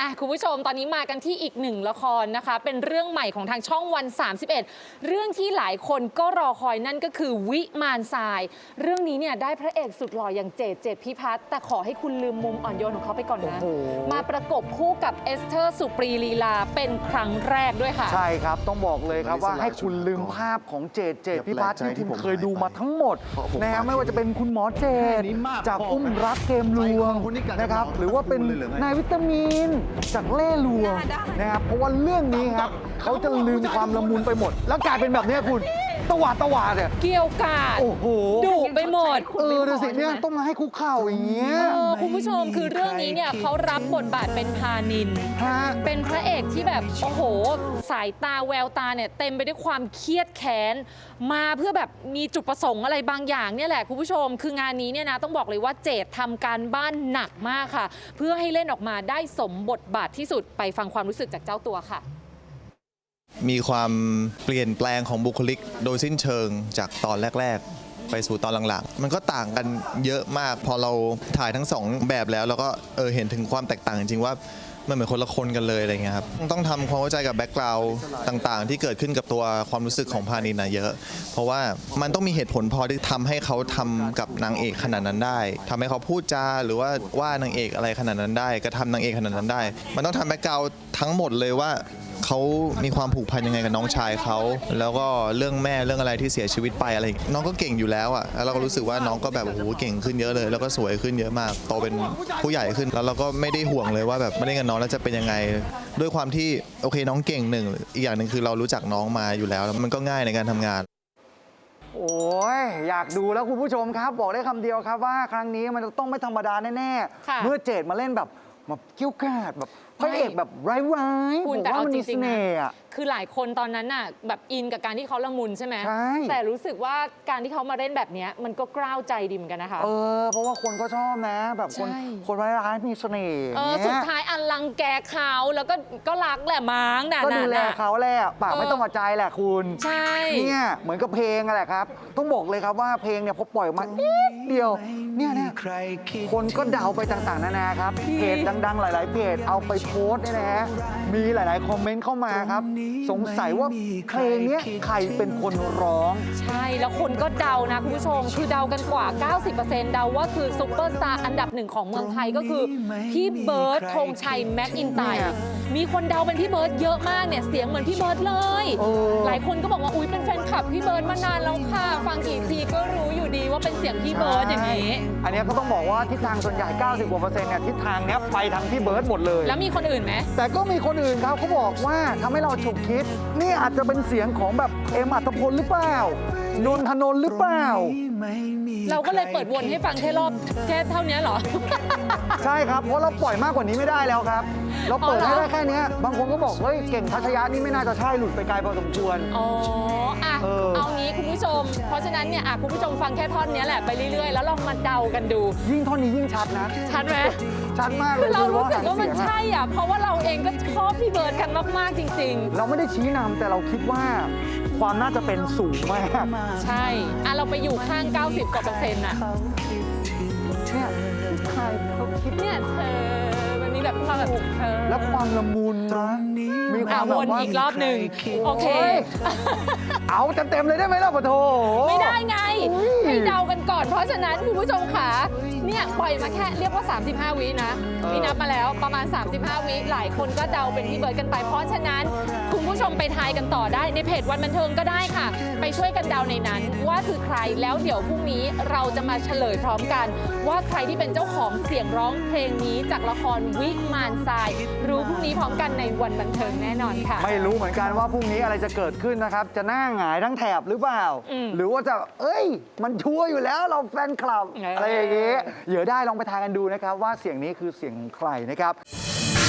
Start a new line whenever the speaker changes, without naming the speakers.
คุณผู้ชมตอนนี้มากันที่อีกหนึ่งละครนะคะเป็นเรื่องใหม่ของทางช่องวัน31เรื่องที่หลายคนก็รอคอยนั่นก็คือวิมานทรายเรื่องนี้เนี่ยได้พระเอกสุดหล่ออย่างเจตพิพัฒน์แต่ขอให้คุณลืมมุมอ่อนโยนของเขาไปก่อนนะมาประกบคู่กับเอสเธอร์สุปรีลีลาเป็นครั้งแรกด้วยค่ะ
ใช่ครับต้องบอกเลยครับว่าให้คุณลืมภาพของเจตพิพัฒน์ที่คุณเคยดูมาทั้งหมดนะฮะไม่ว่าจะเป็นคุณหมอเจตจากอุ้มรักเกมลวงนะครับหรือว่าเป็นนายวิตามินจากเล่ลวงนะครับเพราะว่าเรื่องนี้ครับเขาจะลืมความละมุนไปหมดแล้วกลายเป็นแบบนี้คุณตวาดเนี่ย
เกี่ยวกาด
โอ้โห
ดุไปหมด
ดูสิเนี่ยต้องมาให้คุกเข่าอย่างเงี้ย
คุณผู้ชมคือเรื่องนี้เนี่ยเขารับบทบาทเป็นพานินเป็นพระเอกที่แบบโอ้โหสายตาแววตาเนี่ยเต็มไปด้วยความเครียดแค้นมาเพื่อแบบมีจุดประสงค์อะไรบางอย่างเนี่ยแหละคุณผู้ชมคืองานนี้เนี่ยนะต้องบอกเลยว่าเจตทำการบ้านหนักมากค่ะเพื่อให้เล่นออกมาได้สมบทบาทที่สุดไปฟังความรู้สึกจากเจ้าตัวค่ะ
มีความเปลี่ยนแปลงของบุคลิกโดยสิ้นเชิงจากตอนแรกๆไปสู่ตอนหลังๆมันก็ต่างกันเยอะมากพอเราถ่ายทั้งสองแบบแล้วเราก็เห็นถึงความแตกต่างจริงๆว่ามันเหมือนคนละคนกันเลยอะไรเงี้ยครับต้องทำความเข้าใจกับแบ็กกราวด์ต่างๆที่เกิดขึ้นกับตัวความรู้สึกของพานินเยอะเพราะว่ามันต้องมีเหตุผลพอที่ทำให้เขาทำกับนางเอกขนาดนั้นได้ทำให้เขาพูดจาหรือว่านางเอกอะไรขนาดนั้นได้กระทำนางเอกขนาดนั้นได้มันต้องทำแบ็กกราวด์ทั้งหมดเลยว่าเขามีความผูกพันยังไงกับน้องชายเขาแล้วก็เรื่องแม่เรื่องอะไรที่เสียชีวิตไปอะไรน้องก็เก่งอยู่แล้วอ่ะแล้วเราก็รู้สึกว่าน้องก็แบบโอ้โหเก่งขึ้นเยอะเลยแล้วก็สวยขึ้นเยอะมากโตเป็นผู้ใหญ่ขึ้นแล้วเราก็ไม่ได้ห่วงเลยว่าแบบไม่เล่นกับน้องแล้วจะเป็นยังไงด้วยความที่โอเคน้องเก่งหนึ่งอีกอย่างหนึ่งคือเรารู้จักน้องมาอยู่แล้วมันก็ง่ายในการทำงาน
โอ้ยอยากดูแล้วคุณผู้ชมครับบอกได้คำเดียวครับว่าครั้งนี้มันต้องไม่ธรรมดาแน่ๆเมื่อเจตมาเล่นแบบกิ้วกาดแบบพระเอกแบบร้ายๆผมว่ามันมีเสน่ห์
คือหลายคนตอนนั้นน่ะแบบอินกับการที่เขาละมุนใช่ไหมแต่รู้สึกว่าการที่เขามาเล่นแบบนี้มันก็กล้าวใจดีเหมือนกันนะคะ
เพราะว่าคนก็ชอบนะแบบคนร้ายๆมีเสน่ห์
สุดท้ายอันลังแกเขาแล้วก็รักแหละมั้ง
ก็ดูแลเขาแหละปากไม่ต้องหัวใจแหละคุณ
ใช่
เนี่ยเหมือนกับเพลงแหละครับต้องบอกเลยครับว่าเพลงเนี่ยพอปล่อยมาเดียวเนี่ยคนก็เดาไปต่างๆนานาครับเพจดังๆหลายๆเพจเอาไปโพสต์เนี่ยนะฮะมีหลายๆคอมเมนต์เข้ามาครับสงสัยว่าเพลงนี้ใครเป็นคนร้อง
ใช่แล้วคนก็เดานะคุณผู้ชมคือเดากันกว่า 90% เดาว่าคือซุปเปอร์สตาร์อันดับหนึ่งของเมืองไทยก็คือพี่เบิร์ดธงชัยแม็กอินไตร์มีคนเดาเป็นพี่เบิร์ดเยอะมากเนี่ยเสียงเหมือนพี่เบิร์ดเลยหลายคนก็บอกว่าอุ๊ยเป็นแฟนคลับพี่เบิร์ดมานานแล้วค่ะฟังกี่ทีก็รู้อยู่ดีว่าเป็นเสียงพี่เบิร์ดอย่างนี้
อันนี้ก็ต้องบอกว่าทิศทางส่วนใหญ่ 90 กว่าเปอร์เซ็นต์เนี่ยทิศทางเนี้ยไปทางพี่เบิร์ดหมดเลย
แล้วมีคนอื่นไหม
แต่ก็มีคนอื่นครับเขาบอกว่าทำให้เราฉุกคิดนี่อาจจะเป็นเสียงของแบบเอ็มอัตพลหรือเปล่านนทนนท์หรือเปล่า
เราก็เลยเปิดวนให้ฟังแค่รอบแค่เท่านี้เหรอ
ใช่ครับเพราะเราปล่อยมากกว่านี้ไม่ได้แล้วครับเราเปิดให้ได้แค่นี้บางคนก็บอกเฮ้ยเก่งทัชยะนี่ไม่น่าจะใช่หลุดไปไกลพอสมควร
เอางี้คุณผู้ชมเพราะฉะนั้นเนี่ยคุณผู้ชมฟังแค่ท่อนนี้แหละไปเรื่อยๆแล้วลองมาเดากันดู
ยิ่งท่อนนี้ยิ่งชัดนะ
ชัดไหม
ชัดมากเลย
คือเรารู้สึกว่ามันใช่อ่ะเพราะว่าเราเองก็ชอบพี่เบิร์ดกันมากๆจริง
ๆเราไม่ได้ชี้นำแต่เราคิดว่าความน่าจะเป็นสูงมาก
ใช่เราไปอยู่ข้าง90 กว่า%น่ะ
เนี่ยใครเขาคิด
เนี่ยเธอมันมีแบบความแบบ
แล้วความละมุนนะ
มีความแบบว่าอีกรอบหนึ่งโอเค
เอาเต็มเลยได้ไหมล่ะปะโถ
ไม่ได้ไงให้เดากันก่อนเพราะฉะนั้นคุณผู้ชมขาเนี่ยปล่อยมาแค่เรียกว่า35 วินะพี่นับมาแล้วประมาณ35 วิหลายคนก็เดาเป็นพี่เบิร์ดกันไปเพราะฉะนั้นคุณผู้ชมไปทายกันต่อได้ในเพจวันบันเทิงก็ได้ค่ะไปช่วยกันเดาในนั้นว่าคือใครแล้วเดี๋ยวพรุ่งนี้เราจะมาเฉลยพร้อมกันว่าใครที่เป็นเจ้าของเสียงร้องเพลงนี้จากละครวิมานทรายรู้พรุ่งนี้พร้อมกันในวันบันเทิงแน่นอนค่ะ
ไม่รู้เหมือนกันว่าพรุ่งนี้อะไรจะเกิดขึ้นนะครับจะหน้าหงายทั้งแถบหรือเปล่าหรือว่าจะมันชัวร์อยู่แล้วเราแฟนคลับอะไรอย่างเงี้ยเดี๋ยวได้ลองไปทายกันดูนะครับว่าเสียงนี้คือเสียงของใครนะครับ